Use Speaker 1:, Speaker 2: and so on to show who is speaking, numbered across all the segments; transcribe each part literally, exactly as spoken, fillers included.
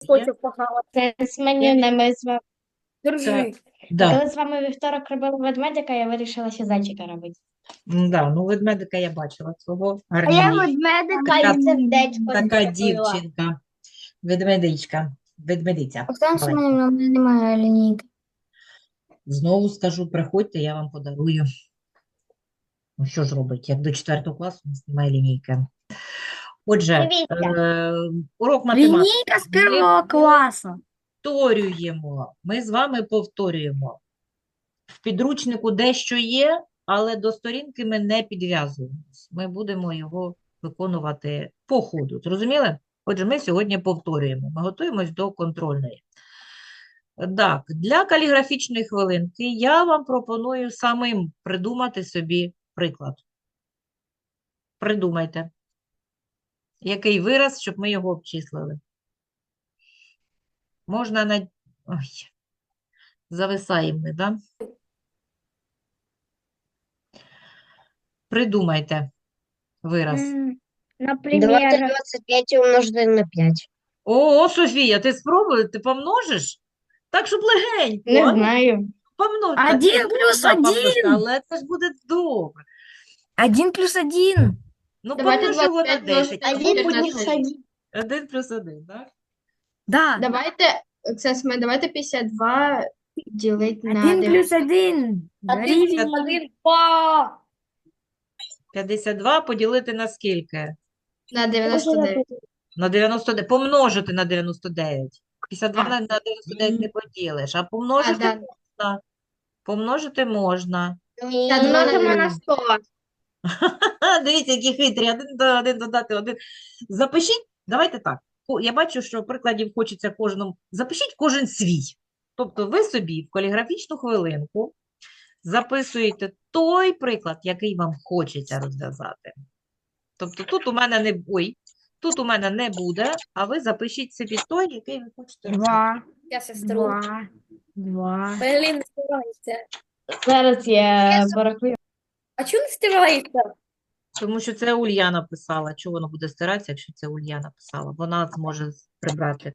Speaker 1: хочу похавати.
Speaker 2: Це з меню ми з вами.
Speaker 1: Це,
Speaker 3: Держи.
Speaker 1: да,
Speaker 2: Коли з вами вівторок робили ведмедика, я вирішила ще зайчика робити.
Speaker 1: м, да, ну ведмедика я бачила свого
Speaker 3: А я
Speaker 1: гарненького.
Speaker 3: ведмедика
Speaker 1: Така,
Speaker 3: і сердечко
Speaker 1: така
Speaker 3: зробила.
Speaker 1: дівчинка, ведмедичка, ведмедиця.
Speaker 3: Оксана
Speaker 1: маленька.
Speaker 3: Семенівна, в мене немає лінійки.
Speaker 1: Знову скажу, приходьте, я вам подарую. Ну, що ж робить, як до четвертого класу у нас немає лінійки. Отже,
Speaker 2: Дивіться.
Speaker 1: е, урок математики.
Speaker 3: Лінійка з
Speaker 1: Ми
Speaker 3: першого класу.
Speaker 1: повторюємо, ми з вами повторюємо. В підручнику дещо є, але до сторінки ми не підв'язуємось. Ми будемо його виконувати по ходу. Зрозуміли? Отже, ми сьогодні повторюємо. Ми готуємось до контрольної. Так, для каліграфічної хвилинки я вам пропоную самим придумати собі приклад. Придумайте. Який вираз, щоб ми його обчислили? Можна на... Ой, зависаємо ми, да? Придумайте вираз.
Speaker 2: Наприклад,
Speaker 3: двадцять п'ять умножити на п'ять.
Speaker 1: О, Софія, ти спробуй, ти помножиш? Так, щоб легенько.
Speaker 2: не
Speaker 1: а ну,
Speaker 2: знаю.
Speaker 1: помнож. Та
Speaker 3: Один
Speaker 1: це
Speaker 3: плюс
Speaker 1: можна помножити,
Speaker 3: один.
Speaker 1: але це ж буде добре.
Speaker 3: Один плюс один.
Speaker 1: Ну,
Speaker 4: Давайте
Speaker 1: помнож його на
Speaker 4: двадцять п'ять
Speaker 1: десять.
Speaker 4: множити
Speaker 1: Або
Speaker 4: на
Speaker 1: поділ-
Speaker 4: чотирнадцять.
Speaker 1: один плюс один, так?
Speaker 3: Да.
Speaker 4: Давайте, Оксана, давайте п'ятдесят два ділити на
Speaker 3: Один
Speaker 4: дев'ять.
Speaker 3: плюс один. Дорівнює.
Speaker 1: п'ятдесят два поділити на скільки?
Speaker 4: На дев'яносто дев'ять.
Speaker 1: На дев'яносто дев'ять. Помножити на дев'яносто дев'ять. п'ятдесят два на на дев'яносто дев'ять не поділиш, а
Speaker 4: А,
Speaker 1: помножити
Speaker 4: да.
Speaker 1: можна. Помножити можна.
Speaker 4: п'ятдесят два на дев'яносто.
Speaker 2: сто.
Speaker 1: Ха, дивіться, які хитрі. Один до один додати один. Запишіть, давайте так. О, я бачу, що прикладів хочеться кожному. Запишіть кожен свій. Тобто ви собі в каліграфічну хвилинку записуєте той приклад, який вам хочеться розв'язати. Тобто тут у мене не ой, тут у мене не буде, а ви запишіть собі той, який ви хочете розв'язати.
Speaker 3: Два.
Speaker 4: Я сестру.
Speaker 3: Два. Два.
Speaker 4: Блін, не стирається.
Speaker 2: Зараз я порахую.
Speaker 4: А чому не стирається?
Speaker 1: Тому що це Ульяна писала. Чого воно буде стиратися, якщо це Ульяна писала? Вона зможе прибрати.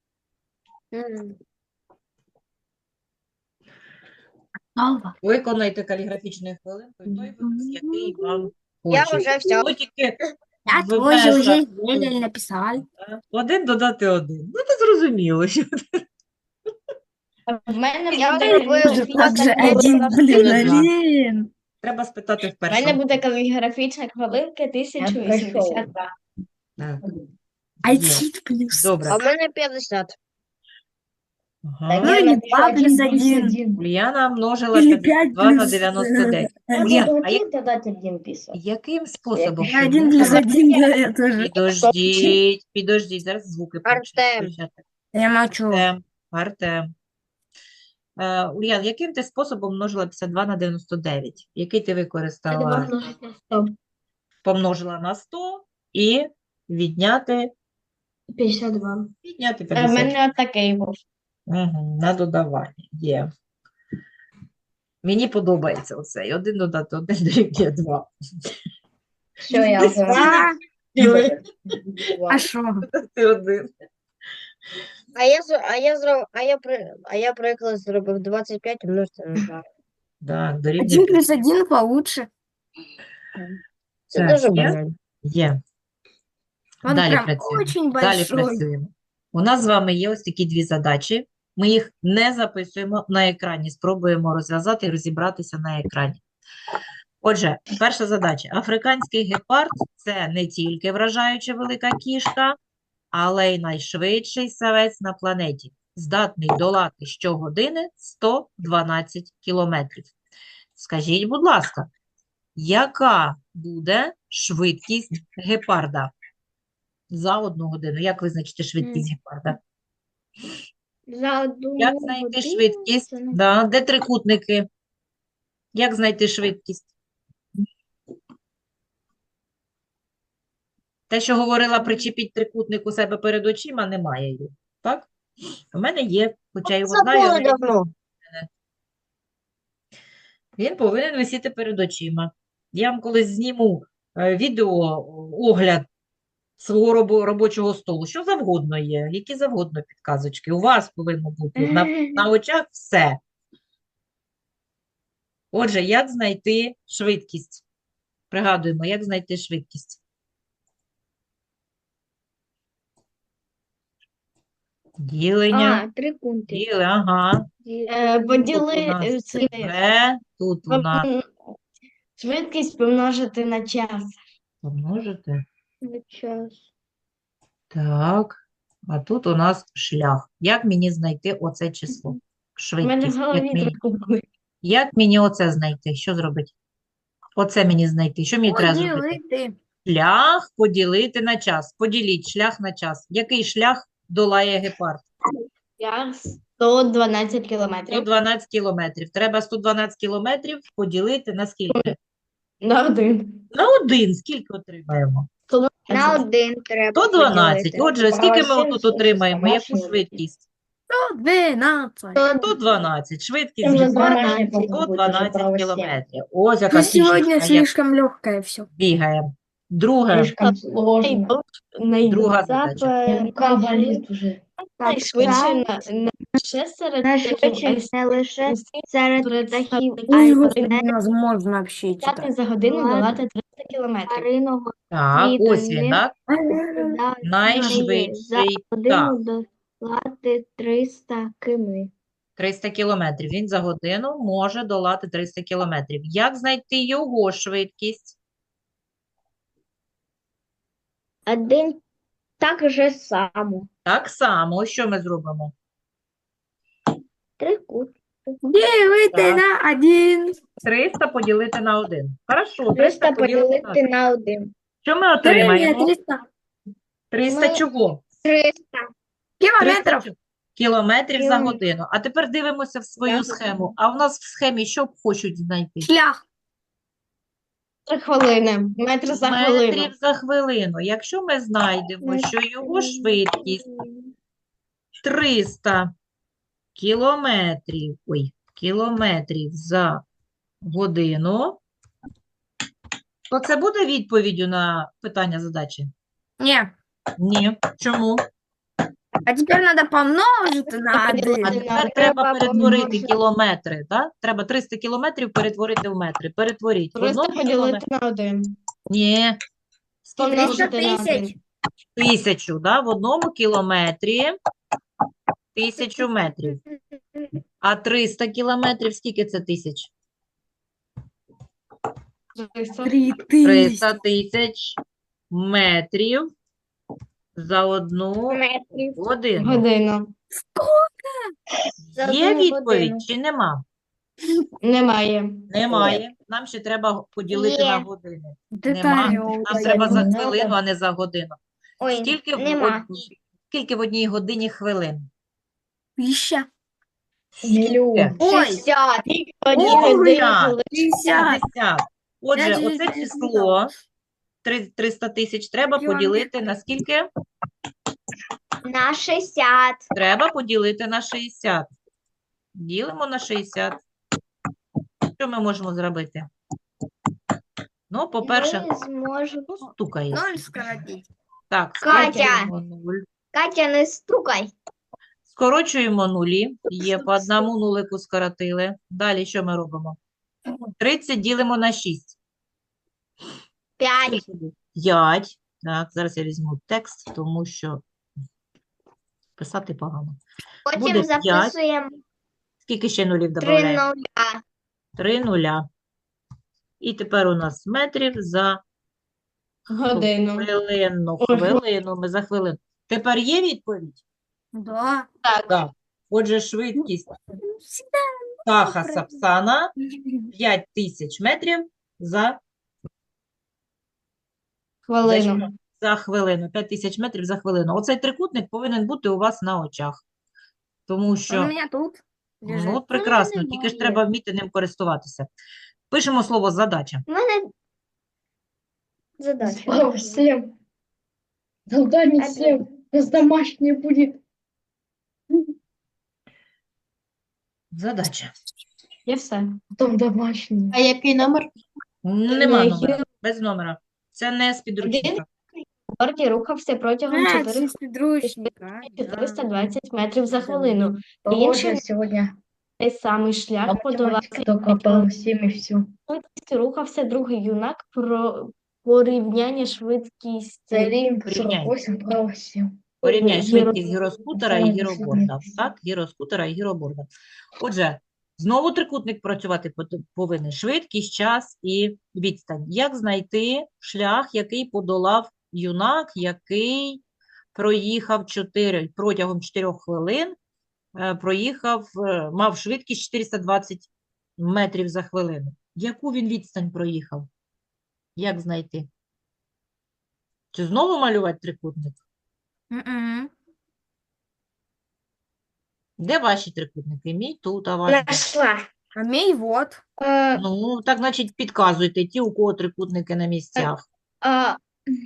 Speaker 3: Алва.
Speaker 1: Виконайте каліграфічною хвилинкою той вираз, який вам
Speaker 3: Я
Speaker 1: хочеться.
Speaker 3: вже всьо.
Speaker 1: Ну, тільки
Speaker 3: Я
Speaker 1: в
Speaker 3: тоже
Speaker 1: межах,
Speaker 3: уже еле написал.
Speaker 1: е, один додати один. Ну, це зрозуміло. що-
Speaker 2: В мене
Speaker 3: Я
Speaker 2: буде
Speaker 3: уже
Speaker 2: каліграфічна
Speaker 3: также
Speaker 2: хвилинка
Speaker 3: один, блин,
Speaker 2: тисяча.
Speaker 3: один.
Speaker 1: Треба спитати в
Speaker 2: В мене
Speaker 1: першому.
Speaker 2: буде каліграфічна хвилинка тисяча вісімдесят два.
Speaker 1: Так,
Speaker 3: Один плюс.
Speaker 1: добре.
Speaker 3: мене п'ятдесят.
Speaker 1: Ага.
Speaker 3: Ну и два плюс один.
Speaker 1: Ульяна множила
Speaker 3: Или
Speaker 1: п'ятдесят
Speaker 3: п'ять
Speaker 1: два на
Speaker 3: плюс,
Speaker 1: дев'яносто дев'ять.
Speaker 3: э,
Speaker 1: Ульяна, а як-
Speaker 2: додати один пісок?
Speaker 1: яким способом?
Speaker 3: Я
Speaker 1: ти
Speaker 3: один плюс
Speaker 1: множила?
Speaker 3: один, да, я тоже.
Speaker 1: Підождіть, підождіть, зараз звуки почнуть
Speaker 3: Артем.
Speaker 1: включати.
Speaker 3: Я молчу.
Speaker 1: Артем, Артем. Е, Ульян, яким ти способом множила п'ятдесят два на дев'яносто дев'ять? Який ти використала? Помножила на сто і відняти,
Speaker 4: п'ятдесят два.
Speaker 1: відняти
Speaker 2: В
Speaker 1: п'ятдесят.
Speaker 2: мене отакий був.
Speaker 1: Угу, на додавання. Є. Мені подобається оцей. Один додати один дорівнює два.
Speaker 2: Що я
Speaker 3: А, а шо?
Speaker 1: Додати один.
Speaker 5: А я, з- а я, зроб, а я, при- а я приклад зробив двадцять п'ять умножити на два.
Speaker 1: Так, дорівнює
Speaker 3: Один плюс один получше.
Speaker 5: Це
Speaker 1: Так,
Speaker 5: дуже
Speaker 1: є?
Speaker 5: банально.
Speaker 1: Є.
Speaker 3: Он
Speaker 1: Далі
Speaker 3: прям
Speaker 1: працюємо.
Speaker 3: очень
Speaker 1: Далі
Speaker 3: большой.
Speaker 1: працюємо. У нас з вами є ось такі дві задачі. Ми їх не записуємо на екрані, спробуємо розв'язати і розібратися на екрані. Отже, перша задача. Африканський гепард – це не тільки вражаюча велика кішка, але й найшвидший савець на планеті. Здатний долати щогодини сто дванадцять кілометрів. Скажіть, будь ласка, яка буде швидкість гепарда за одну годину? Як визначити швидкість гепарда?
Speaker 2: За одну
Speaker 1: Як знайти швидкість? Да, де трикутники? Як знайти швидкість? Те, що говорила, причепіть трикутник у себе перед очима, немає її. Так? У мене є, хоча його знаю,
Speaker 5: Забули
Speaker 1: але
Speaker 5: давно.
Speaker 1: він повинен висіти перед очима. Я вам колись зніму е, відео, огляд свого робо- робочого столу. Що завгодно є, які завгодно підказочки. У вас повинно бути на, на очах все. Отже, як знайти швидкість? Пригадуємо, як знайти швидкість. Ділення.
Speaker 5: А, трикутник.
Speaker 1: Діли, ага.
Speaker 2: Е,
Speaker 1: Тут у
Speaker 2: Поділи
Speaker 1: нас
Speaker 2: е, це,
Speaker 1: Б, тут у нас
Speaker 2: пом- швидкість помножити на час.
Speaker 1: помножити.
Speaker 5: Час.
Speaker 1: Так. А тут у нас шлях. Як мені знайти оце число?
Speaker 2: У мене в
Speaker 1: Швидкість. Як
Speaker 2: голові
Speaker 1: мені,
Speaker 2: трохи.
Speaker 1: як мені оце знайти? Що зробити? Оце мені знайти. Що мені треба зробити?
Speaker 3: Поділити.
Speaker 1: Шлях поділити на час. Поділіть шлях на час. Який шлях долає гепард?
Speaker 2: Я сто дванадцять кілометрів.
Speaker 1: сто дванадцять кілометрів. Треба сто дванадцять кілометрів поділити на скільки?
Speaker 2: На один.
Speaker 1: На один. Скільки отримаємо?
Speaker 5: На один треба
Speaker 1: сто дванадцять.
Speaker 5: поділити.
Speaker 1: Отже, скільки ми отут отримаємо? Яку швидкість?
Speaker 3: сто дванадцять.
Speaker 1: сто дванадцять. Швидкість
Speaker 2: Вже
Speaker 1: гепарда
Speaker 2: дванадцять.
Speaker 1: сто дванадцять кілометрів. Ось яка
Speaker 3: Ну, сегодня
Speaker 1: фішечка, як
Speaker 3: слишком легкое все.
Speaker 1: бігаємо. Друге,
Speaker 2: Найдовше- найдовше.
Speaker 1: друга задача.
Speaker 5: Запа-
Speaker 2: Найшвидше на, на ще серед
Speaker 5: Найшвидше
Speaker 2: птахів,
Speaker 5: не лише
Speaker 2: а
Speaker 5: серед
Speaker 2: серед
Speaker 5: птахів,
Speaker 2: птахів,
Speaker 5: а й
Speaker 3: Ой, господи,
Speaker 5: серед
Speaker 3: невозможно вообще
Speaker 2: літати
Speaker 3: читать.
Speaker 2: за годину
Speaker 5: Ладно.
Speaker 2: долати триста кілометрів.
Speaker 5: тваринного
Speaker 1: Так,
Speaker 5: світу
Speaker 1: ось він,
Speaker 5: він
Speaker 1: так?
Speaker 5: за
Speaker 1: Найшвидший
Speaker 5: годину
Speaker 1: птах.
Speaker 5: долати триста км.
Speaker 1: триста кілометрів. Він за годину може долати триста кілометрів. Як знайти його швидкість?
Speaker 5: Один так же само.
Speaker 1: Так само, що ми зробимо?
Speaker 5: Трикут.
Speaker 3: Делите
Speaker 1: Так.
Speaker 3: на один.
Speaker 1: триста поділити на один. Хорошо, триста
Speaker 5: триста
Speaker 1: поділити на
Speaker 5: поділити на один.
Speaker 1: Що ми
Speaker 3: Три,
Speaker 1: отримаємо?
Speaker 3: триста
Speaker 1: триста
Speaker 5: Ми-
Speaker 1: чого?
Speaker 5: триста.
Speaker 1: триста
Speaker 3: километров.
Speaker 1: чого? Кілометрів за
Speaker 5: Кілометрів.
Speaker 1: годину. А тепер дивимося в свою
Speaker 5: За
Speaker 1: схему. А в нас в схемі що хочуть знайти?
Speaker 3: Шлях.
Speaker 2: Три хвилини. Метр за хвилину.
Speaker 1: Метрів за хвилину. Якщо ми знайдемо, що його швидкість триста кілометрів, ой, кілометрів за годину, то це буде відповіддю на питання задачі?
Speaker 3: Не.
Speaker 1: Ні. Чому?
Speaker 3: А теперь надо помножить на
Speaker 1: А
Speaker 3: один.
Speaker 1: тепер треба
Speaker 5: Треба
Speaker 1: перетворити
Speaker 5: помножити.
Speaker 1: кілометри, так? Треба триста кілометрів перетворити в метри. Перетворіть. В
Speaker 2: триста
Speaker 1: одному
Speaker 2: поділити
Speaker 1: кілометрі.
Speaker 2: на один.
Speaker 1: Ні. Скільки
Speaker 2: Помножити
Speaker 1: буде?
Speaker 2: на
Speaker 3: тисяч.
Speaker 2: один.
Speaker 1: Тисячу, да? В одному кілометрі тисячу метрів. А триста кілометрів, скільки це тисяч?
Speaker 2: Триста.
Speaker 3: Три
Speaker 1: триста
Speaker 3: тысячи.
Speaker 1: тисяч метрів за одну
Speaker 5: Метрів.
Speaker 1: годину.
Speaker 2: Годину.
Speaker 5: За
Speaker 1: Є
Speaker 5: одну
Speaker 1: відповідь
Speaker 5: годину.
Speaker 1: чи нема?
Speaker 2: Немає.
Speaker 1: Немає. Нам ще треба поділити
Speaker 5: Є.
Speaker 1: на години.
Speaker 3: Детали.
Speaker 1: Нема. Нам треба за хвилину, а не за годину.
Speaker 5: Ой,
Speaker 1: Скільки в
Speaker 5: нема.
Speaker 1: одній, скільки в одній годині хвилин?
Speaker 3: Тысяча.
Speaker 1: Скільки?
Speaker 3: Ой,
Speaker 5: шістдесят.
Speaker 2: Одні
Speaker 1: Ой,
Speaker 2: години
Speaker 1: я.
Speaker 2: хвилин.
Speaker 3: пятьдесят.
Speaker 1: п'ятдесят. Отже,
Speaker 3: Я
Speaker 1: оце
Speaker 3: десь не
Speaker 1: число три- триста тисяч треба
Speaker 3: Кілометр.
Speaker 1: поділити на скільки?
Speaker 5: На шістдесят.
Speaker 1: Треба поділити на шістдесят. Ділимо на шістдесят. Що ми можемо зробити? Ну, по-перше,
Speaker 5: Ми зможемо.
Speaker 1: стукає.
Speaker 3: Ноль скоротить.
Speaker 1: Так,
Speaker 5: Катя.
Speaker 1: скорочуємо нуль.
Speaker 5: Катя, не стукай.
Speaker 1: Скорочуємо нулі. Є, по одному нулику скоротили. Далі що ми робимо? тридцять ділимо на шість.
Speaker 5: П'ять.
Speaker 1: п'ять. Так, зараз я візьму текст, тому що писати погано. Буде
Speaker 5: Потім
Speaker 1: п'ять.
Speaker 5: записуємо
Speaker 1: Скільки ще нулів
Speaker 5: три
Speaker 1: додаємо?
Speaker 5: нуля.
Speaker 1: Три нуля. І тепер у нас метрів за
Speaker 2: Годину.
Speaker 1: хвилину.
Speaker 2: Ой,
Speaker 1: Хвилину, ми за хвилину. Тепер є відповідь?
Speaker 3: Да.
Speaker 1: Так. Отже, швидкість
Speaker 3: Всегда.
Speaker 1: птаха Сапсана п'ять тисяч метрів за, за,
Speaker 2: Хвилину.
Speaker 1: що? За хвилину. п'ять тисяч метрів за хвилину. Оцей трикутник повинен бути у вас на очах. Тому
Speaker 3: Он у
Speaker 1: що,
Speaker 3: меня тут лежит.
Speaker 1: ну, от прекрасно, тільки ж треба вміти ним користуватися. Пишемо слово задача.
Speaker 5: У мене задача.
Speaker 4: Всем. Задание
Speaker 5: Опять.
Speaker 4: всем. У нас домашнее будет.
Speaker 1: Задача.
Speaker 2: І все.
Speaker 4: Потом домашнее.
Speaker 2: А який номер?
Speaker 1: Нема
Speaker 2: Е,
Speaker 1: номера, без номера. Це не з підручника.
Speaker 2: борді рухався протягом
Speaker 3: А, це
Speaker 2: чотирьох
Speaker 3: з підручника.
Speaker 2: чотириста двадцять метрів за хвилину.
Speaker 5: Похоже,
Speaker 2: Інший
Speaker 5: сегодня
Speaker 2: той самий шлях
Speaker 5: на
Speaker 2: подолав
Speaker 5: математике только по всем и все.
Speaker 2: швидкістю рухався другий юнак про порівняння швидкість
Speaker 5: За Рим
Speaker 1: Порівняй.
Speaker 5: сорок восемь, право семь.
Speaker 1: Порівняй
Speaker 2: Гіро-
Speaker 1: швидкість гіроскутера і
Speaker 5: Саме
Speaker 1: гіроборда.
Speaker 5: десятий.
Speaker 1: Так, гіроскутера і гіроборда. Отже, знову трикутник працювати пот- повинен. Швидкість, час і відстань. Як знайти шлях, який подолав юнак, який проїхав чотири, протягом чотирьох хвилин, е, проїхав, е, мав швидкість чотириста двадцять метрів за хвилину. Яку він відстань проїхав? Як знайти? Чи знову малювати трикутник?
Speaker 3: Мгм.
Speaker 1: Де ваші трикутники? Мій тут, а ваш де?
Speaker 5: Нашла.
Speaker 3: А мій вот.
Speaker 4: Е,
Speaker 1: Ну, так, значить, підказуйте ті, у кого трикутники на місцях.
Speaker 4: а,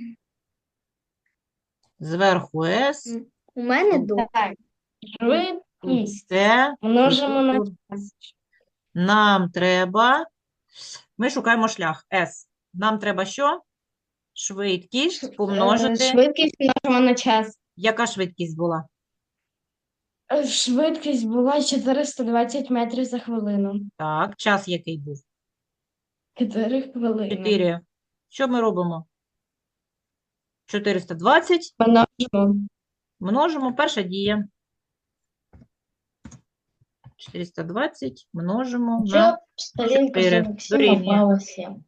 Speaker 1: Зверху С,
Speaker 4: у мене до.
Speaker 2: Так,
Speaker 1: тут
Speaker 2: швидкість
Speaker 1: С, і
Speaker 2: множимо на
Speaker 1: тут нам треба, ми шукаємо шлях С. Нам треба що? Швидкість
Speaker 2: Е,
Speaker 1: помножити.
Speaker 2: швидкість множимо на час.
Speaker 1: Яка швидкість була?
Speaker 2: Е, Швидкість була чотириста двадцять метрів за хвилину.
Speaker 1: Так, час який був?
Speaker 2: чотири хвилини.
Speaker 1: чотири. Що ми робимо? чотириста двадцять
Speaker 2: Множимо.
Speaker 1: множимо, перша дія. чотириста двадцять множимо на
Speaker 5: Чё? Сторінка
Speaker 1: чотири.
Speaker 5: сорок семь,
Speaker 1: Дорівнює.
Speaker 5: а право семь.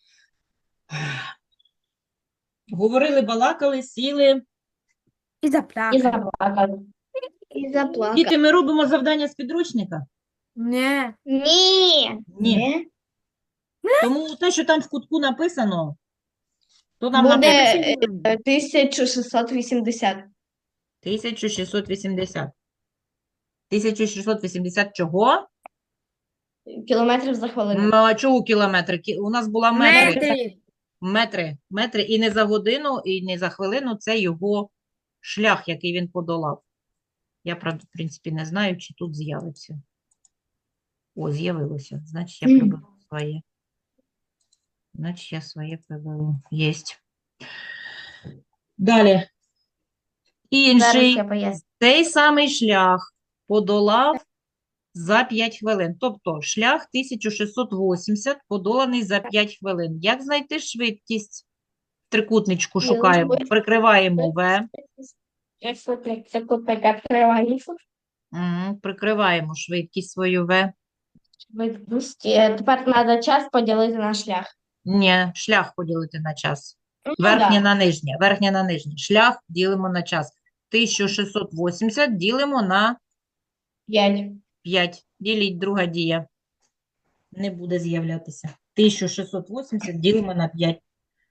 Speaker 1: Говорили, балакали, сіли.
Speaker 3: І
Speaker 2: І
Speaker 3: заплакав.
Speaker 2: заплакали.
Speaker 4: І заплакав.
Speaker 1: Діти, ми робимо завдання з підручника?
Speaker 3: Не.
Speaker 4: Ні.
Speaker 1: Ні.
Speaker 5: Не?
Speaker 1: Тому те, що там в кутку написано, то нам
Speaker 2: Буде
Speaker 1: написано
Speaker 2: е, тисяча шістсот вісімдесят.
Speaker 1: тисяча шістсот вісімдесят. тисяча шістсот вісімдесят чого?
Speaker 2: Кілометрів за хвилину.
Speaker 1: М, а чого кілометри? Кі- У нас була метри.
Speaker 3: Метри.
Speaker 1: Метри. Метри. І не за годину, і не за хвилину. Це його шлях, який він подолав. Я, правда, в принципі, не знаю, чи тут з'явиться. О, з'явилося. Значить, я
Speaker 5: Мгм.
Speaker 1: приберу своє. Значить, я своє приберу. Єсть. Далі.
Speaker 2: Зараз
Speaker 1: Інший.
Speaker 2: я поясню.
Speaker 1: Цей самий шлях подолав за п'ять хвилин. Тобто шлях тисяча шістсот вісімдесят подоланий за п'ять хвилин. Як знайти швидкість? В трикутничку
Speaker 2: Ну,
Speaker 1: шукаємо,
Speaker 2: швидкість.
Speaker 1: прикриваємо В,
Speaker 2: Якщо ти це купити відкриваєш,
Speaker 1: Мгм, прикриваємо швидкість свою В.
Speaker 2: швидкість. Е, Тепер треба час поділити на шлях.
Speaker 1: Ні, шлях поділити на час.
Speaker 2: Ну,
Speaker 1: Верхнє
Speaker 2: да.
Speaker 1: на нижнє, верхнє на нижнє. Шлях ділимо на час. тисяча шістсот вісімдесят ділимо на
Speaker 2: П'ять.
Speaker 1: п'ять. Діліть, друга дія. Не буде з'являтися. тисяча шістсот вісімдесят ділимо на п'ять.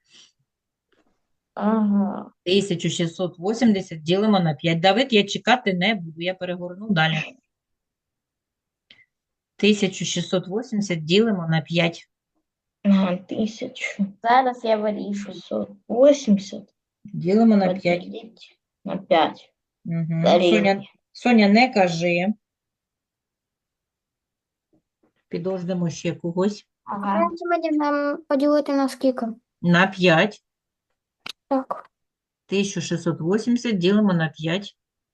Speaker 2: Ага.
Speaker 1: тисяча шістсот вісімдесят ділимо на п'ять. Давид, я чекати не буду, я перегорну далі. тисяча шістсот вісімдесят ділимо на п'ять.
Speaker 5: Ага, тысячу
Speaker 2: Зараз я вирішу.
Speaker 5: шестьсот восемьдесят
Speaker 1: Ділимо на п'ять.
Speaker 5: поделить на пять.
Speaker 1: Угу.
Speaker 5: Дорівнює.
Speaker 1: Соня, Соня, не кажи. Підождемо ще когось.
Speaker 2: Ага.
Speaker 4: Нам поділити на скільки?
Speaker 1: На п'ять.
Speaker 4: Так.
Speaker 1: тисяча шістсот вісімдесят ділимо на п'ять.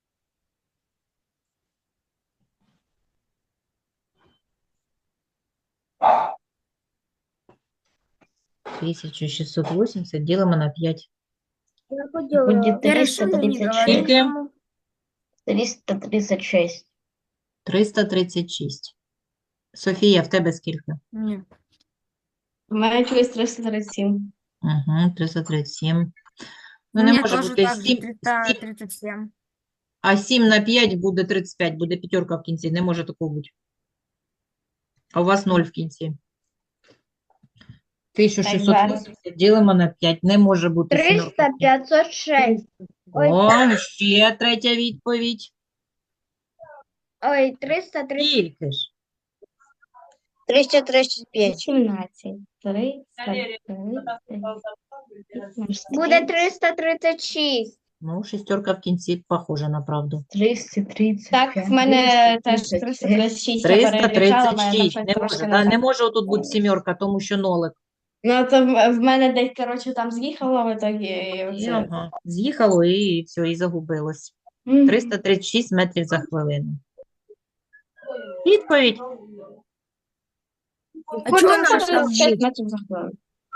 Speaker 1: тисяча шістсот вісімдесят ділимо на п'ять.
Speaker 4: Я
Speaker 5: Будет
Speaker 3: Я
Speaker 5: триста
Speaker 3: решила не
Speaker 5: тридцать
Speaker 3: говорить.
Speaker 5: шесть.
Speaker 1: Скільки?
Speaker 5: триста тридцать шесть.
Speaker 1: триста тридцять шість. Софія, в тебе скільки?
Speaker 3: Ні.
Speaker 2: У мене чогось триста тридцять сім.
Speaker 1: Угу, триста тридцять сім. Ну,
Speaker 3: У
Speaker 1: не
Speaker 3: мене
Speaker 1: може
Speaker 3: теж
Speaker 1: бути
Speaker 3: так же
Speaker 1: сім,
Speaker 3: триста тридцять сім.
Speaker 1: а сім на п'ять буде тридцять п'ять, буде п'ятерка в кінці. Не може такого бути. А у вас ноль в кінці. тисяча шістсот вісімдесят ділимо на п'ять. Не може бути сімерка в
Speaker 4: триста
Speaker 1: кінці.
Speaker 4: п'ятсот шість. Ой,
Speaker 1: О, ще третя відповідь.
Speaker 4: ой, триста тридцять.
Speaker 1: Скільки ж?
Speaker 5: триста тридцать пять.
Speaker 2: сімнадцять. триста тридцять.
Speaker 4: Буде триста тридцять шість.
Speaker 1: Ну, шістерка в кінці похожа на правду.
Speaker 5: триста тридцать
Speaker 2: Так,
Speaker 5: пять.
Speaker 2: в мене теж
Speaker 5: триста
Speaker 2: триста тридцять шість. я
Speaker 1: триста
Speaker 2: перевіряла, в
Speaker 1: тридцать
Speaker 2: мене там
Speaker 1: шість.
Speaker 2: щось
Speaker 1: Не
Speaker 2: трошки
Speaker 1: може,
Speaker 2: не
Speaker 1: да,
Speaker 2: так.
Speaker 1: не може отут бути сімерка, тому що нолик.
Speaker 2: Ну, то в в мене десь, коротше, там з'їхало в итогі, і
Speaker 1: І,
Speaker 2: оце.
Speaker 1: ага, з'їхало і все, і загубилось.
Speaker 2: Мгм.
Speaker 1: триста тридцять шість метрів за хвилину. Відповідь.
Speaker 3: А чого
Speaker 2: Ну,
Speaker 3: наш там
Speaker 2: шістдесят
Speaker 3: був?
Speaker 2: метрів за хвилину.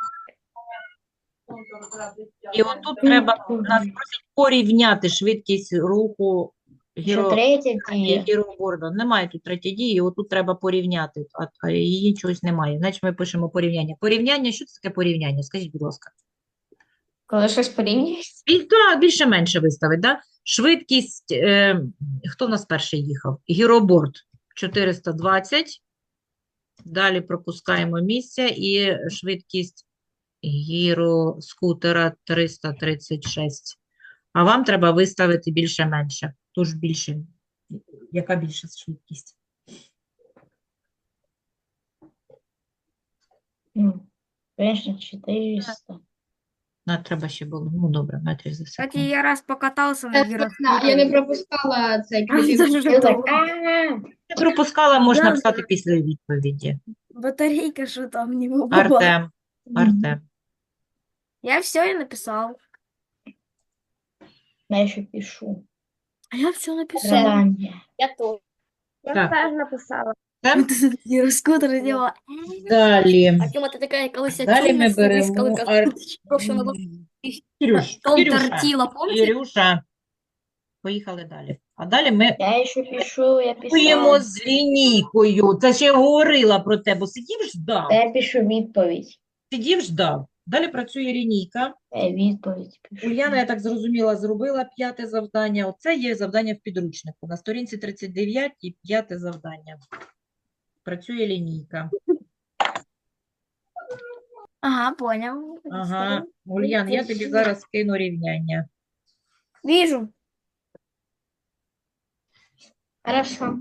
Speaker 1: І отут треба, нас просять порівняти швидкість руху
Speaker 5: Ще
Speaker 1: гіро...
Speaker 5: третя
Speaker 1: і
Speaker 5: дія.
Speaker 1: гіроборда. Немає тут третьої дії, отут треба порівняти, а, а її чогось немає. Значить, ми пишемо порівняння. Порівняння, що це таке порівняння? Скажіть, будь ласка.
Speaker 2: Коли щось порівнюєш,
Speaker 1: Біль- та, більше-менше виставить, да? Швидкість, е, хто в нас перший їхав? Гіроборд чотириста двадцять. Далі пропускаємо місце і швидкість гіроскутера триста тридцять шість. А вам треба виставити більше-менше. Тож більше. Яка більша швидкість?
Speaker 5: Ну, конечно, чотириста.
Speaker 1: А, треба ще було. Ну, добре, метрів за
Speaker 3: Кстати,
Speaker 1: секунду.
Speaker 3: я раз покатался на
Speaker 4: Я не
Speaker 3: гироскутере.
Speaker 4: пропускала цей
Speaker 3: Правда,
Speaker 4: кліпінг.
Speaker 3: що
Speaker 5: Я
Speaker 3: там
Speaker 5: так, а
Speaker 1: Не пропускала, можна
Speaker 3: Да,
Speaker 1: написати після відповіді.
Speaker 3: батарейка, что там не была.
Speaker 1: Артем, Артем.
Speaker 3: Я все и написал.
Speaker 5: я ще пишу.
Speaker 3: А я все написал.
Speaker 5: Задання.
Speaker 2: я то.
Speaker 1: Я Так.
Speaker 2: теж написала.
Speaker 1: Артем.
Speaker 3: Ты гироскутер делала.
Speaker 1: Далі.
Speaker 3: А Тёма, ти така, колись
Speaker 1: Далі ми
Speaker 3: чумна,
Speaker 1: беремо
Speaker 3: коли
Speaker 1: Ар...
Speaker 3: прошлого року
Speaker 1: Кирюш,
Speaker 3: Том
Speaker 1: Кирюша,
Speaker 3: тортила, помните?
Speaker 1: Кирюша. Поїхали далі. А далі ми
Speaker 5: Я ще пишу, я
Speaker 1: працюємо
Speaker 5: писав.
Speaker 1: з лінійкою. Це ще я говорила про те, бо сидів, ждав.
Speaker 5: Та я пишу відповідь.
Speaker 1: Сидів, ждав. Далі працює лінійка.
Speaker 5: Я відповідь пишу.
Speaker 1: Уляна, я так зрозуміла, зробила п'яте завдання. Оце є завдання в підручнику. На сторінці тридцять дев'ять і п'яте завдання. Працює лінійка.
Speaker 3: Ага, понял.
Speaker 1: Ага. Ульян, я тобі зараз скину рівняння.
Speaker 3: Вижу.
Speaker 2: Хорошо.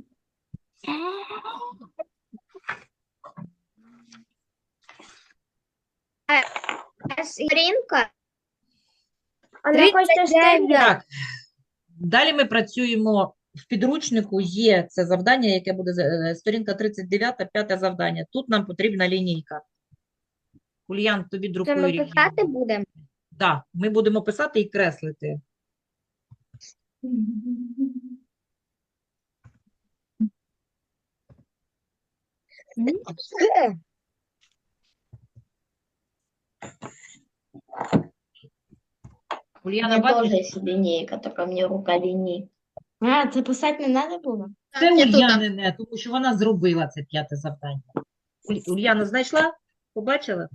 Speaker 5: Сторінка?
Speaker 2: А не хочете ще
Speaker 1: Так. Далі ми працюємо в підручнику. Є це завдання, яке буде е, сторінка тридцять дев'ять, п'яте завдання. Тут нам потрібна лінійка. Ульян, тобі друкую рівняння.
Speaker 5: будемо?
Speaker 1: Так, ми будемо писати і креслити. Ульяна,
Speaker 5: У меня
Speaker 1: бачиш?
Speaker 5: тоже есть линейка, только мне рука линейка.
Speaker 2: А, це писати не треба було?
Speaker 1: Це
Speaker 4: Я тут.
Speaker 1: Ульянине, тому що вона зробила це п'яте завдання. Уль- Ульяна знайшла? Побачила?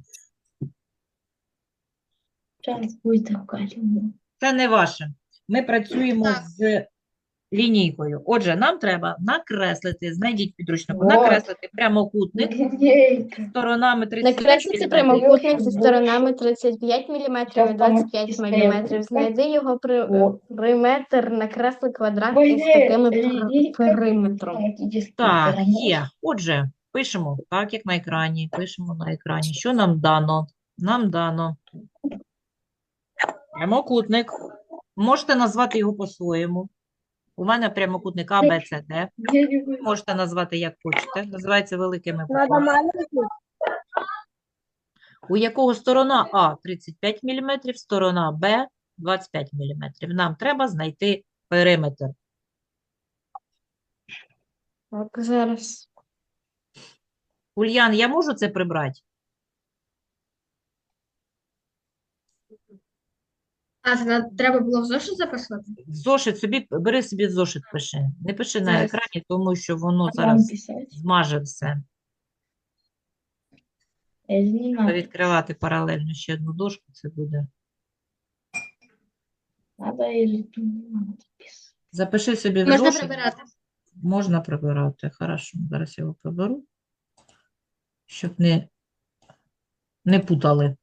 Speaker 5: Сейчас будет рука линейка.
Speaker 1: Це не ваше. Ми працюємо
Speaker 4: Так.
Speaker 1: з лінійкою. Отже, нам треба накреслити, знайдіть підручнику,
Speaker 5: Вот.
Speaker 1: накреслити прямокутник
Speaker 5: Линейка.
Speaker 1: сторонами тридцять п'ять
Speaker 2: Накреслити
Speaker 1: міліметрів.
Speaker 2: прямокутник зі сторонами тридцять п'ять міліметрів і
Speaker 5: Щас там
Speaker 2: двадцять п'ять
Speaker 5: історія
Speaker 2: міліметрів.
Speaker 5: буде.
Speaker 2: Знайди його при...
Speaker 5: О.
Speaker 2: периметр, накресли квадрат
Speaker 5: Ой,
Speaker 2: із такими
Speaker 5: ні,
Speaker 2: пер-
Speaker 5: лінійка.
Speaker 2: периметром.
Speaker 1: Так, є. Отже, пишемо так, як на екрані. Пишемо на екрані. Що нам дано? Нам дано прямокутник. Можете назвати його по-своєму. У мене прямокутник А, Б, С, Д.
Speaker 5: Я не буду.
Speaker 1: Можете назвати як хочете. Називається великими буквами. У якого сторона А тридцять п'ять міліметрів, сторона Б двадцять п'ять міліметрів. Нам треба знайти периметр.
Speaker 2: Так, зараз.
Speaker 1: Ульян, я можу це прибрати?
Speaker 4: А, це на- треба було в зошит записувати?
Speaker 1: Зошит собі, бери собі зошит, пиши. Не пиши на
Speaker 2: Зараз.
Speaker 1: екрані, тому що воно
Speaker 5: Вам
Speaker 1: зараз
Speaker 5: писать?
Speaker 1: змаже все.
Speaker 5: Это не
Speaker 1: Треба
Speaker 5: надо.
Speaker 1: відкривати паралельно ще одну дошку, це буде.
Speaker 5: Надо или тут не надо писать.
Speaker 1: Запиши собі в
Speaker 4: Можна
Speaker 1: зошит.
Speaker 4: прибирати.
Speaker 1: Можна прибирати. Хорошо, зараз я його приберу, щоб не, не путали.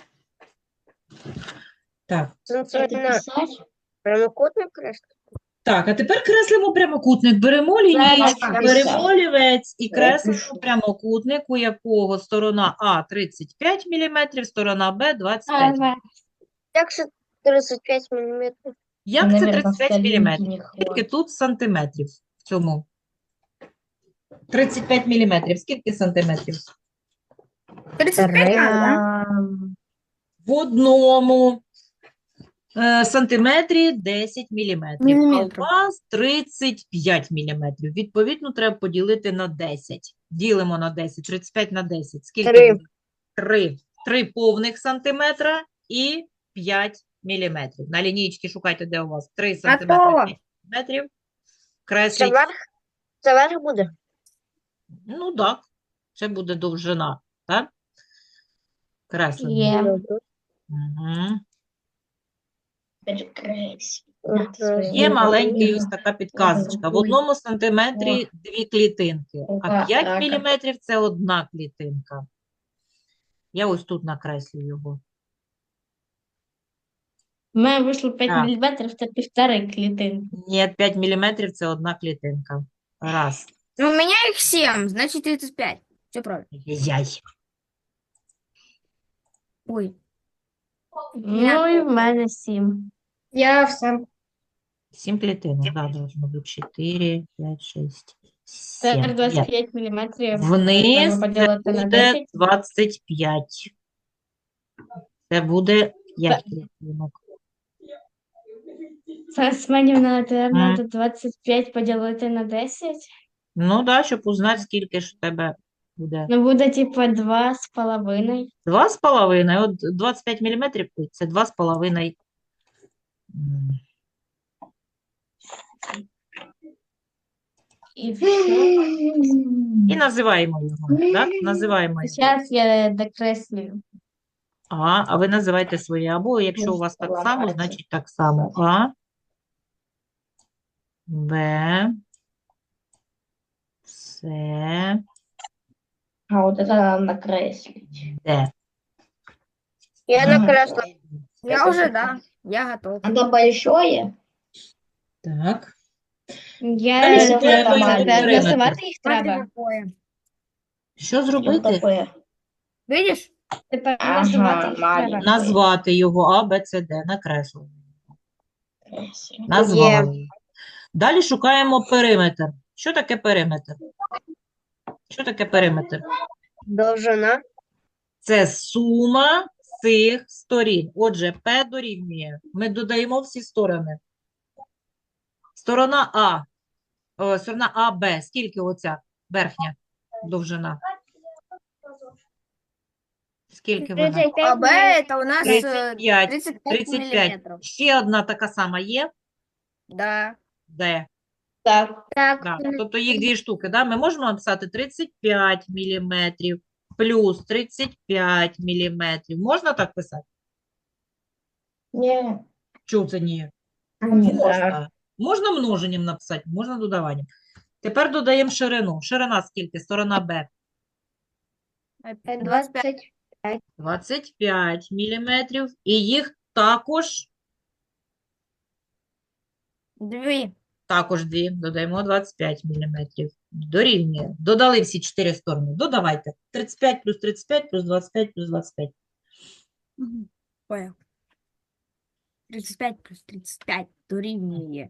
Speaker 1: Так.
Speaker 5: Это писать?
Speaker 6: Прямокутник кресло?
Speaker 1: Так, а тепер креслимо прямокутник. Беремо лінійку,
Speaker 5: написала.
Speaker 1: беремо олівець і
Speaker 5: Я
Speaker 1: креслимо
Speaker 5: пишу.
Speaker 1: прямокутник, у якого сторона А тридцять п'ять міліметрів, сторона Б двадцять п'ять.
Speaker 6: Як це тридцять п'ять міліметрів?
Speaker 1: Як це
Speaker 5: Наверно,
Speaker 1: тридцять п'ять
Speaker 5: столінки
Speaker 1: міліметрів?
Speaker 5: не
Speaker 1: Скільки
Speaker 5: хватить.
Speaker 1: тут сантиметрів в цьому? тридцять п'ять міліметрів. Скільки сантиметрів?
Speaker 3: тридцать пять надо, да?
Speaker 2: Ем,
Speaker 1: В одному е, сантиметрі десять міліметрів, а у
Speaker 3: Міліметрів.
Speaker 1: вас тридцять п'ять міліметрів. Відповідно, треба поділити на десять. Ділимо на десять, тридцять п'ять на десять. Скільки
Speaker 5: Три.
Speaker 1: буде? три. три повних сантиметра і п'ять міліметрів. На лінійці шукайте, де у вас три сантиметри,
Speaker 3: Готово.
Speaker 1: п'ять міліметрів.
Speaker 5: Це
Speaker 1: Кресліть.
Speaker 5: верх? Це верх буде?
Speaker 1: Ну, так. Це буде довжина, так? Креслення.
Speaker 2: Є.
Speaker 5: Добре.
Speaker 1: Угу.
Speaker 5: От,
Speaker 1: Є
Speaker 5: е,
Speaker 1: маленький ось така підказочка. В одному сантиметрі дві клітинки, а п'ять міліметрів – це одна клітинка. Я ось тут накреслю його.
Speaker 2: У мене вийшло п'ять
Speaker 1: Так.
Speaker 2: міліметрів, це півтори клітинки.
Speaker 1: Ні, п'ять міліметрів – це одна клітинка. Раз.
Speaker 3: Ну, у меня их семь, значит тридцать пять. Все правильно.
Speaker 1: Яй.
Speaker 3: Ой.
Speaker 2: Ну і в мене сім.
Speaker 4: Я все.
Speaker 1: Сім клітинок, да, должно бути. Чотири, п'ять, шість,
Speaker 2: Тепер
Speaker 1: сім.
Speaker 2: двадцять
Speaker 1: Є.
Speaker 2: п'ять міліметрів.
Speaker 1: Вниз
Speaker 2: треба
Speaker 1: це
Speaker 2: поділити на
Speaker 1: буде
Speaker 2: десять.
Speaker 1: двадцять п'ять. Це буде п'ять клітинок.
Speaker 2: Це Семенівна,
Speaker 1: Мгм.
Speaker 2: треба двадцять п'ять поділити на десять.
Speaker 1: Ну, так, да, щоб узнати, скільки ж у тебе буде.
Speaker 2: Ну, буде, типу, два з половиною.
Speaker 1: Два з половиною. От двадцять п'ять міліметрів – це два з половиною. М,
Speaker 2: І все.
Speaker 1: І називаємо його, так? Називаємо його.
Speaker 2: Зараз я докреслюю.
Speaker 1: А, а ви називайте своє. Або якщо у вас так само, значить так само. А, Б, С,
Speaker 2: А от це нам накреслить.
Speaker 1: Д.
Speaker 5: Я накреслила.
Speaker 3: Я уже, да. Я готов.
Speaker 2: Оно большое?
Speaker 1: Так.
Speaker 2: Я
Speaker 1: Далі
Speaker 2: це
Speaker 1: треба його
Speaker 2: називати
Speaker 1: периметр.
Speaker 2: їх
Speaker 3: Смотри,
Speaker 2: треба.
Speaker 3: какое.
Speaker 1: Що зробити?
Speaker 3: Видишь?
Speaker 2: Тепер називати їх треба.
Speaker 1: Назвати його А, Б, С, Д. Накреслили. Назвали. Далі шукаємо периметр. Що таке периметр? Що таке периметр?
Speaker 5: Довжина.
Speaker 1: Це сума цих сторін. Отже, П дорівнює. Ми додаємо всі сторони. Сторона А. О, сторона А, Б. Скільки оця верхня довжина? Скільки вона?
Speaker 3: А Б это у нас э,
Speaker 1: тридцять п'ять.
Speaker 3: тридцать пять
Speaker 1: тридцять п'ять.
Speaker 3: миллиметров.
Speaker 1: Ще одна така сама є?
Speaker 3: Да.
Speaker 1: Де?
Speaker 2: Так.
Speaker 6: Так,
Speaker 1: Да. Тобто їх дві штуки. Да? Ми можемо написати тридцять п'ять міліметрів плюс тридцять п'ять міліметрів. Можна так писати?
Speaker 2: Ні.
Speaker 1: Чого це ні?
Speaker 2: Ні,
Speaker 1: Можна. Можна множенням написати, можна додаванням. Тепер додаємо ширину. Ширина скільки? Сторона Б.
Speaker 3: двадцать пять.
Speaker 1: двадцять п'ять міліметрів. І їх також,
Speaker 3: Две.
Speaker 1: також дві. Додаємо двадцять п'ять міліметрів. Дорівнює. Додали всі чотири сторони. Додавайте. тридцять п'ять плюс тридцять п'ять плюс двадцять п'ять плюс двадцять п'ять.
Speaker 3: Мгм. Понял. тридцать пять плюс тридцать пять дорівнює.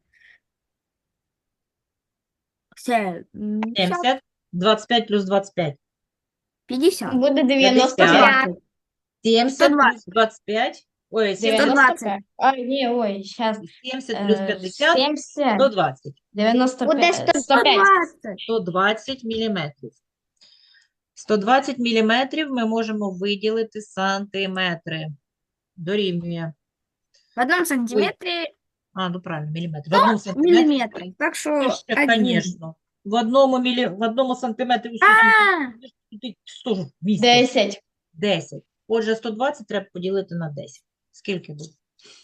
Speaker 3: Все. м,
Speaker 1: сімдесят. двадцять п'ять плюс двадцять п'ять.
Speaker 3: пятьдесят.
Speaker 2: Буде дев'яносто
Speaker 1: п'ятдесят.
Speaker 2: п'ять.
Speaker 1: сімдесят
Speaker 3: сто
Speaker 1: плюс двадцять п'ять. Ой, сімдесят.
Speaker 2: дев'яносто п'ять. А, ні, ой, зараз.
Speaker 1: сімдесят плюс п'ятдесят.
Speaker 2: сімдесят.
Speaker 1: сто двадцять.
Speaker 2: дев'яносто
Speaker 6: Буде
Speaker 2: п'ять.
Speaker 6: сто
Speaker 2: сто п'ять.
Speaker 3: двадцать.
Speaker 1: сто двадцять міліметрів. сто двадцять міліметрів ми можемо виділити сантиметри. Дорівнює.
Speaker 3: В одном сантиметре
Speaker 1: А, ну правильно, міліметр. В одному сантиметрі.
Speaker 3: миллиметр. Так что
Speaker 1: Ще,
Speaker 3: один.
Speaker 1: звісно. В одному, мілі... в одному сантиметрі усі
Speaker 3: А,
Speaker 1: сантиметри. Тут сто ж вмістить.
Speaker 2: десять.
Speaker 1: десять. Отже, сто двадцять треба поділити на десять. Скільки буде?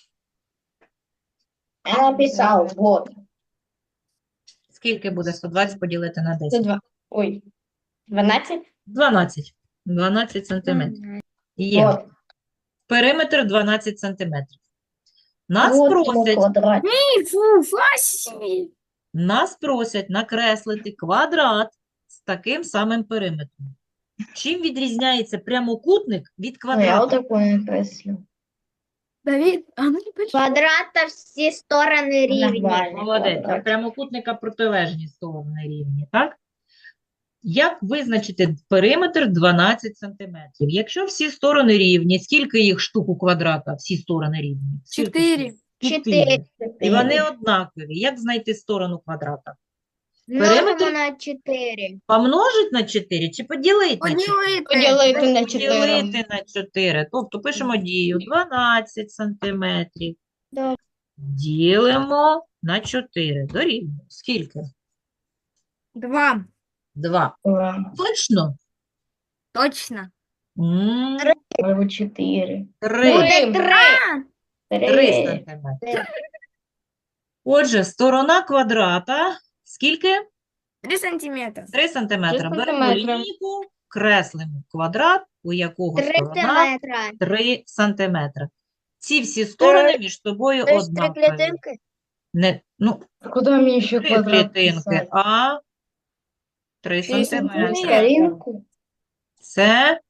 Speaker 2: Я написав, вот.
Speaker 1: Скільки буде сто двадцять поділити на
Speaker 2: Це
Speaker 1: десять?
Speaker 2: два. Ой. дванадцять?
Speaker 1: дванадцять. дванадцять сантиметрів. Є.
Speaker 2: Вот.
Speaker 1: Периметр дванадцять сантиметрів. Нас просять,
Speaker 2: квадрат.
Speaker 3: фу, фаси.
Speaker 1: нас просять накреслити квадрат з таким самим периметром. Чим відрізняється прямокутник від квадрата?
Speaker 2: такое накреслю.
Speaker 3: Давид, а ну не почему?
Speaker 6: квадрата всі сторони рівні.
Speaker 1: Молодець. А прямокутника протилежні сторони рівні, так? Як визначити периметр дванадцять сантиметрів? Якщо всі сторони рівні, скільки їх штук у квадрата? Всі сторони рівні? Скільки
Speaker 3: Чотири.
Speaker 1: штук?
Speaker 6: Чотири.
Speaker 1: І вони однакові. Як знайти сторону квадрата?
Speaker 6: Множимо
Speaker 1: Периметр?
Speaker 6: на чотири.
Speaker 1: Помножить на чотири чи поділити на чотири?
Speaker 3: Поділити.
Speaker 2: Поділити на чотири.
Speaker 1: Поділити на чотири. Тобто пишемо дію дванадцять сантиметрів.
Speaker 6: Добре.
Speaker 1: Ділимо на чотири. Дорівнює. Скільки?
Speaker 3: Два.
Speaker 1: два. Точно?
Speaker 3: Точно.
Speaker 1: М,
Speaker 2: Або чотири.
Speaker 1: Три.
Speaker 6: Буде три.
Speaker 3: А,
Speaker 1: Три сантиметри. Отже, сторона квадрата скільки?
Speaker 3: три сантиметра.
Speaker 1: три сантиметри.
Speaker 2: Три
Speaker 1: Беремо
Speaker 2: сантиметри.
Speaker 1: лінійку, креслимо квадрат, у якого
Speaker 6: Три
Speaker 1: сторона
Speaker 6: метра.
Speaker 1: три сантиметри. Ці всі сторони між собою
Speaker 6: Тобто три
Speaker 1: однакові.
Speaker 6: клітинки.
Speaker 1: Не, ну,
Speaker 2: Куди мені ще
Speaker 1: три
Speaker 2: квадрат
Speaker 1: клітинки,
Speaker 2: писати?
Speaker 1: а три
Speaker 3: Три
Speaker 1: сантиметри.
Speaker 2: Сторінку?
Speaker 1: Це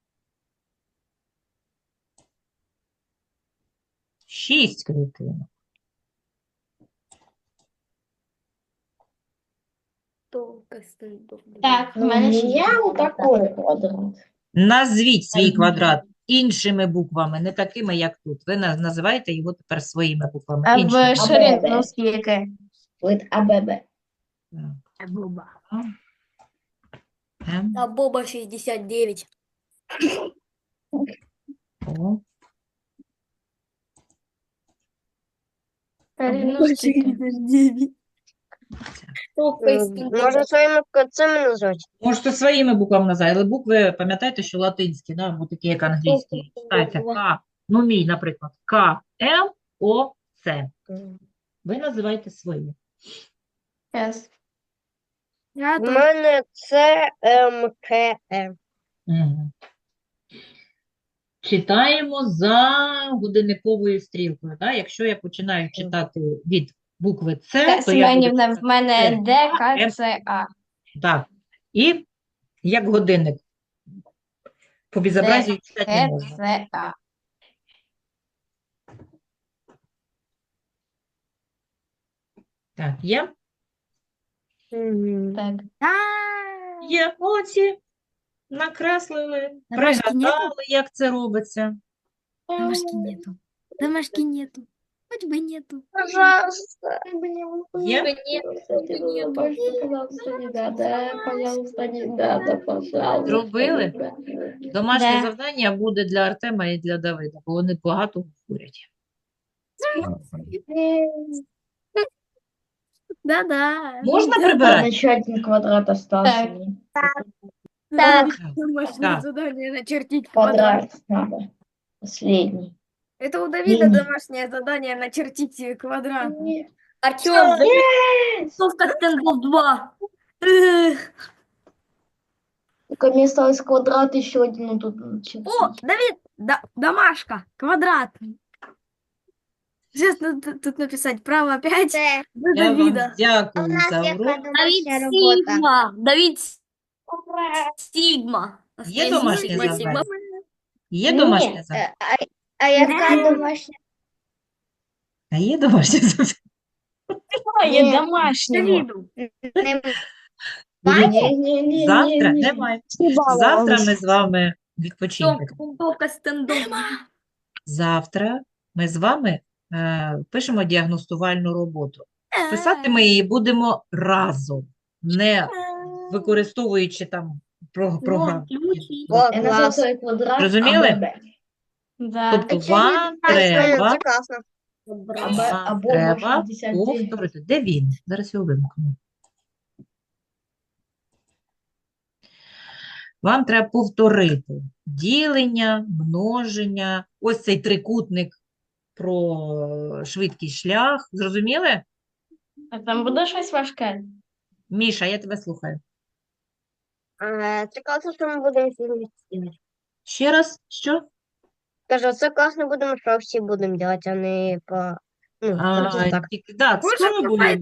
Speaker 1: шість клітинок.
Speaker 2: Так, в мене ще є отакий квадрат.
Speaker 1: Назвіть свій
Speaker 2: Ага.
Speaker 1: квадрат іншими буквами, не такими, як тут. Ви на- називаєте його тепер своїми буквами.
Speaker 2: А
Speaker 1: іншими.
Speaker 2: в ширину скільки? Від АББ.
Speaker 1: Так,
Speaker 3: Боба.
Speaker 1: М,
Speaker 3: А Боба шестьдесят девять.
Speaker 1: О.
Speaker 2: Ширину скільки?
Speaker 6: Можна своїми цими назвати.
Speaker 1: Можете своїми буквами назвати, але букви, пам'ятаєте, що латинські, да, або такі, як англійські. Читайте К, ну мій, наприклад, К, Л, О, С. Ви називаєте свої.
Speaker 2: С.
Speaker 3: Я
Speaker 6: У
Speaker 3: тут.
Speaker 6: мене це М, К, М.
Speaker 1: Мгм. Читаємо за годинниковою стрілкою. Да? Якщо я починаю читати від букви С, то я буду
Speaker 2: Семенівна, в
Speaker 1: читати
Speaker 2: мене
Speaker 1: С,
Speaker 2: Д, К,
Speaker 1: М.
Speaker 2: С, А.
Speaker 1: Так. І як годинник. По безобразію читати не
Speaker 2: К,
Speaker 1: можна.
Speaker 2: С, А.
Speaker 1: Так, є?
Speaker 6: Мгм.
Speaker 2: Так.
Speaker 3: А,
Speaker 1: Є. Молодці. Накреслили,
Speaker 3: Домашки нету?
Speaker 1: пригадали, як це робиться.
Speaker 3: Домашки нету. Домашки нету. Хоть бы нету.
Speaker 6: Пожалуйста.
Speaker 1: Є?
Speaker 2: Пожалуйста, не надо, пожалуйста, не надо, пожалуйста.
Speaker 1: Зробили?
Speaker 2: не надо.
Speaker 1: Домашнє
Speaker 2: Да.
Speaker 1: завдання буде для Артема і для Давида, бо вони багато говорять.
Speaker 3: Да-да.
Speaker 1: Можна
Speaker 2: А
Speaker 1: прибирати?
Speaker 2: еще один квадрат остался.
Speaker 6: Так.
Speaker 3: Домашнее
Speaker 1: Так.
Speaker 3: задание начертить квадрат.
Speaker 2: Квадрат надо. Последний.
Speaker 3: Это у Давида
Speaker 2: Не-не.
Speaker 3: домашнее задание начертить э, квадрат.
Speaker 2: Артем,
Speaker 3: Рисовка стендов два. Эх.
Speaker 2: только мне осталось квадрат еще один. Ну, тут начертить.
Speaker 3: О, Давид, да- домашка, квадрат. Сейчас надо тут написать право пять
Speaker 6: Це
Speaker 3: до
Speaker 1: Я вам
Speaker 3: Давида.
Speaker 6: у
Speaker 1: дякую
Speaker 6: нас
Speaker 1: за
Speaker 6: яка
Speaker 1: урок.
Speaker 6: домашня робота.
Speaker 3: Сигма. Давид Сигма.
Speaker 1: Є домашнє
Speaker 3: Сигма,
Speaker 1: завдання?
Speaker 3: Сигма.
Speaker 1: Є
Speaker 2: Ні,
Speaker 1: домашнє завдання?
Speaker 6: Е, А, а яка домашня?
Speaker 1: А є домашнє завдання?
Speaker 2: Є
Speaker 6: Ні.
Speaker 2: домашнього.
Speaker 3: Давиду.
Speaker 6: Не-
Speaker 1: Дивіться,
Speaker 2: Ні-ні-ні.
Speaker 1: завтра немає. Завтра ми з вами відпочинемо.
Speaker 3: Рисовка стендов.
Speaker 1: Завтра ми з вами е, пишемо діагностувальну роботу. Писати ми її будемо разом, не використовуючи там про- програму.
Speaker 6: О,
Speaker 2: Я
Speaker 6: клас.
Speaker 2: назвав той квадрат
Speaker 1: Зрозуміли?
Speaker 2: АББ. Да.
Speaker 1: Тобто вам треба,
Speaker 6: Це класно.
Speaker 2: АБ,
Speaker 1: вам
Speaker 2: або
Speaker 1: треба
Speaker 2: шістдесят дев'ять.
Speaker 1: повторити. Де він? Зараз його вимкну. Вам треба повторити ділення, множення, ось цей трикутник про швидкий шлях. Зрозуміли?
Speaker 2: А там буде щось важке?
Speaker 1: Міша, я тебе слухаю.
Speaker 6: Е, Це класно, що ми будемо всі вместе.
Speaker 1: Ще раз, що?
Speaker 6: Кажу, це класно будемо, що всі будемо робити, а не по... Ну,
Speaker 1: А,
Speaker 6: просто так.
Speaker 1: тільки- да,
Speaker 3: Боже,
Speaker 1: спробуємо.